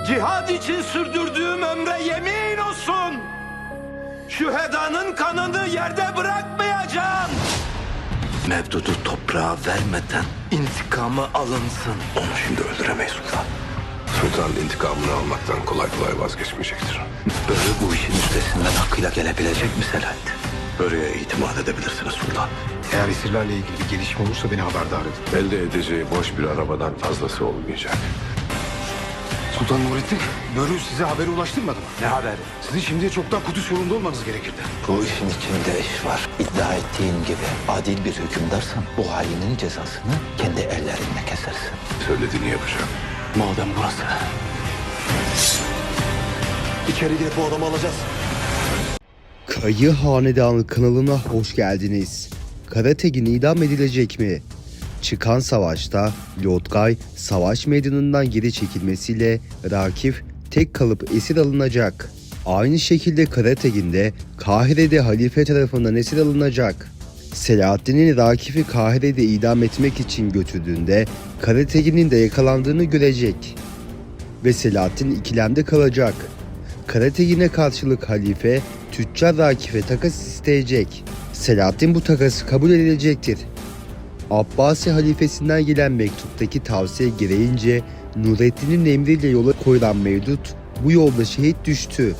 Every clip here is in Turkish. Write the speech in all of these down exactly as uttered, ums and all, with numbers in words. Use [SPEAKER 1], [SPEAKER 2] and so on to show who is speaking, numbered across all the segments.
[SPEAKER 1] Cihad için sürdürdüğüm ömre yemin olsun. Şühedanın kanını yerde bırakmayacağım. Mevdudu toprağa vermeden intikamı alınsın.
[SPEAKER 2] Onu şimdi öldüremeyiz sultan. Sultan intikamını almaktan kolay kolay vazgeçmeyecektir.
[SPEAKER 1] Böyle bu işin üstesinden hakkıyla gelebilecek mi Selahattin?
[SPEAKER 2] Börü'ye itimat edebilirsiniz sultan.
[SPEAKER 3] Eğer esirlerle ilgili bir gelişme olursa beni haberdar edin.
[SPEAKER 2] Elde edeceği boş bir arabadan fazlası olmayacak.
[SPEAKER 3] Sultan Nurettin, Börü size haberi ulaştırmadı mı?
[SPEAKER 1] Ne haberi?
[SPEAKER 3] Sizin şimdiye çoktan Kudüs yolunda olmanız gerekirdi.
[SPEAKER 1] Bu işin içinde iş var. İddia ettiğin gibi adil bir hükümdarsan bu hainin cezasını kendi ellerinle kesersin.
[SPEAKER 2] Söylediğini yapacağım.
[SPEAKER 1] Madem burası. İçeri girip bu adamı alacağız.
[SPEAKER 4] Kayı Hanedanı kanalına hoş geldiniz. Karategin idam edilecek mi? Çıkan savaşta Lodgay savaş meydanından geri çekilmesiyle Rakif tek kalıp esir alınacak. Aynı şekilde Karategin de Kahire'de halife tarafından esir alınacak. Selahaddin'in Rakif'i Kahire'de idam etmek için götürdüğünde Karategin'in de yakalandığını görecek. Ve Selahaddin ikilemde kalacak. Karategin'e karşılık halife Tüccar Rakif'e takas isteyecek. Selahaddin bu takası kabul edilecektir. Abbasi halifesinden gelen mektuptaki tavsiye gereğince Nurettin'in emriyle yola koyulan Mevdut bu yolda şehit düştü.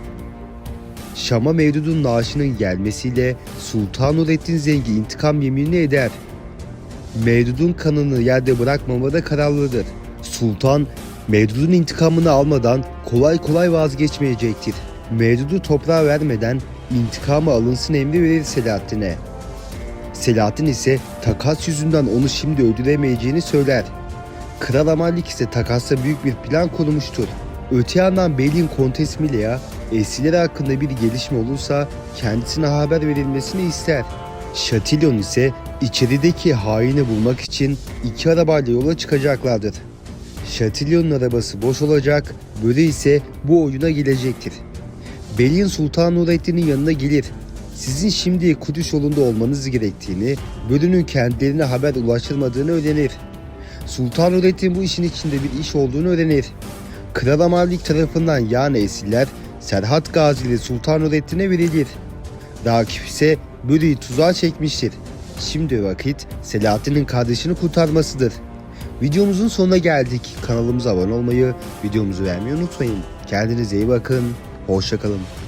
[SPEAKER 4] Şam'a Mevdud'un naaşının gelmesiyle Sultan Nurettin Zengi intikam yeminini eder. Mevdud'un kanını yerde bırakmamada kararlıdır. Sultan Mevdud'un intikamını almadan kolay kolay vazgeçmeyecektir. Mevdud'u toprağa vermeden intikamı alınsın emri verir Selahaddin'e. Selahaddin ise takas yüzünden onu şimdi öldüremeyeceğini söyler. Kral Amallik ise takasta büyük bir plan kurmuştur. Öte yandan Beyliğin Kontes Milea, esirler hakkında bir gelişme olursa kendisine haber verilmesini ister. Chatillon ise içerideki haini bulmak için iki arabayla yola çıkacaklardır. Chatillon'un arabası boş olacak, Börü ise bu oyuna gelecektir. Beyliğin Sultan Nurettin'in yanına gelir. Sizin şimdi Kudüs yolunda olmanız gerektiğini, Börü'nün kendilerine haber ulaştırmadığını öğrenir. Sultan Nurettin bu işin içinde bir iş olduğunu öğrenir. Kral Amallik tarafından yani esirler Serhat Gazi ile Sultan Nurettin'e verilir. Rakip ise Börü'yü tuzağa çekmiştir. Şimdi vakit Selahaddin'in kardeşini kurtarmasıdır. Videomuzun sonuna geldik. Kanalımıza abone olmayı, videomuzu beğenmeyi unutmayın. Kendinize iyi bakın. Hoşça kalın.